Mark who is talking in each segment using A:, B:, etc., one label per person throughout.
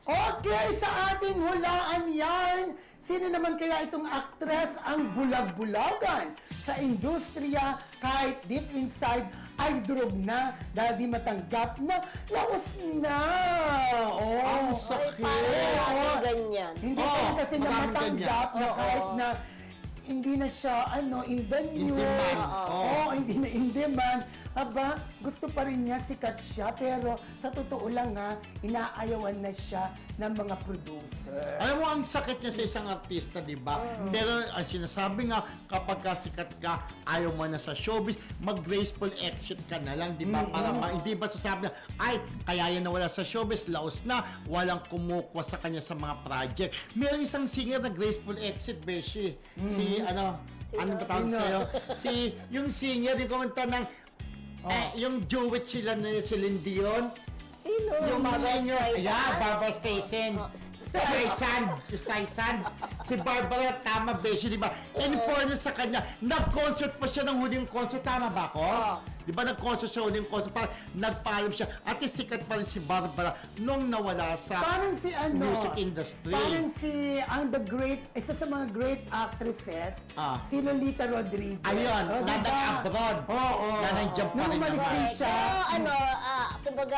A: Okay, sa ating hulaan yarn, sino naman kaya itong aktres ang bulag-bulagan sa industriya kahit deep inside ay durog na dahil di matanggap na laos na. Oh,
B: Ang sakit.
C: Parang ganyan.
A: Hindi pa rin kasi na
B: maraming
A: matanggap
B: ganyan.
A: na
C: Oo.
A: kahit na hindi na siya in the news.
B: demand.
A: Oo, hindi na in demand. Aba, gusto pa rin niya, sikat siya, pero sa totoo lang ha, inaayawan na siya ng mga producer.
B: Alam mo, ang sakit niya sa isang artista, di ba? Pero ang sinasabi nga, kapag sikat ka, ayaw mo na sa showbiz, mag-graceful exit ka na lang, di ba? Para hindi ba sasabi na, ay, kaya yan nawala sa showbiz, laos na, walang kumukuha sa kanya sa mga project. Meron isang singer na graceful exit, Beshi. Si, ano ba tawag
A: Sino?
B: sa'yo? Yung singer, yung kumanta ng, yung duet sila ni Celine Dion.
C: Sino?
B: Yung
C: Barbra
B: senior,
C: Streisand?
B: yeah, Barbra Streisand. Streisand. Si Barbara, tama, Beshi, di ba? In fairness sa kanya, nag-concert pa siya ng huling concert. Tama ba ako? Di ba, nag-concert siya huling concert, parang nagpaalam siya. At least sikat pa rin si Barbara nung nawala sa
A: Parang si
B: music industry.
A: Parang si, isa sa mga great actresses, si Lolita Rodriguez.
B: Ayun,
A: Oh,
B: na
A: diba?
B: nag-abroad.
A: Oo.
B: Na nandiyan pa
A: Nung
B: rin
A: umalis
B: naman.
A: din siya.
C: Pero kumbaga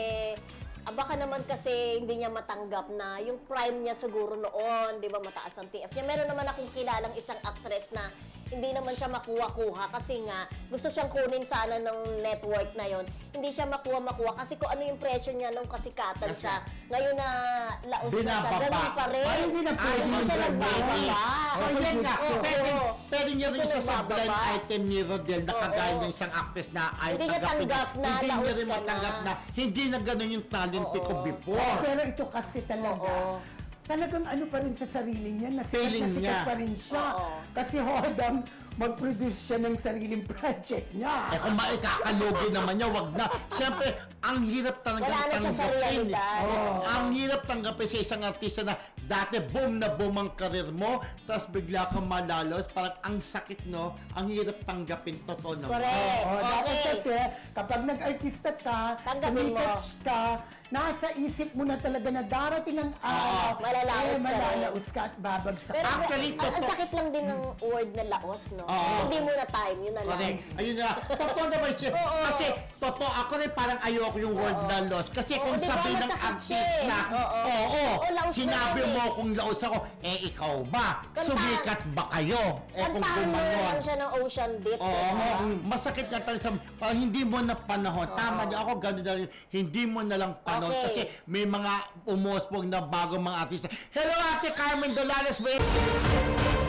C: baka naman kasi hindi niya matanggap na yung prime niya siguro noon, di ba, mataas ang TF niya. Meron naman akong kilalang isang actress na hindi naman siya makuha-kuha kasi nga gusto siyang kunin sana ng network na yon. Hindi siya makuha-makuha kasi kung ano yung presyo niya nung kasikatan siya. Ngayon na laos na siya,
B: Binababa.
C: ganun pa rin.
A: Ay, hindi na pwede.
C: Hindi siya nagbababa.
B: So, yan nga.
C: Oo.
B: Pwede niya rin
C: Siya
B: isa sa
C: nagbababa.
B: blind item ni Rodel na kagaya
C: Oo.
B: ng isang actress na ay
C: Hindi niya tanggap na
B: Hindi niya
C: laos
B: rin
C: ka
B: matanggap
C: na.
B: na hindi na ganun yung talent ko before.
A: Pero ito kasi talaga,
C: Oo.
A: talagang ano pa rin sa sarili niya,
B: Feeling
A: na sikat
B: niya.
A: pa rin siya.
C: Oo.
A: Kasi hodang mag-produce siya ng sariling project niya.
B: Eh kung maikakalugi naman niya, wag na. Siyempre, ang hirap talaga
C: Wala na siya sa realidad.
B: Ang hirap tanggapin sa isang artista na dati boom na boom ang karir mo, tapos bigla kang malalos, parang ang sakit, no? Ang hirap tanggapin, totoo naman.
C: Correct.
A: Oo, dapat
C: Okay.
A: kasi, kapag nag-artista ka,
C: Tanggapin mo.
A: sumikat ka, nasa isip mo na talaga na darating ang araw,
C: malalaos ka rin.
A: malalaos ka at babagsak.
C: Pero
B: Actually,
C: ang
B: totoo.
C: sakit lang din ng word na laos, no?
B: Oo.
C: Hindi mo na time, yun na lang.
B: Correct. Ayun na. Totoo naman siya.
C: Oo.
B: Kasi, totoo, ako rin parang ayoko yung word na loss. Kasi
C: Oo,
B: kung
C: di ba,
B: sabi ng
C: masakit
B: artist
C: siya eh.
B: na,
C: Oo.
B: oo,
C: laos
B: sinabi
C: na yan
B: mo
C: eh.
B: kung laos ako, ikaw ba? Sumikat ba kayo? Kung
C: Kantahan mo
B: gumanon.
C: lang siya ng Ocean Deep.
B: Oo,
C: diba?
B: masakit nga talaga sa, parang hindi mo na panahon. Tama niya ako, gano'n na rin. Hindi mo na lang panahon.
C: Okay.
B: Kasi may mga umuspog na bagong mga artista. Hello, Ate Carmen Dolores.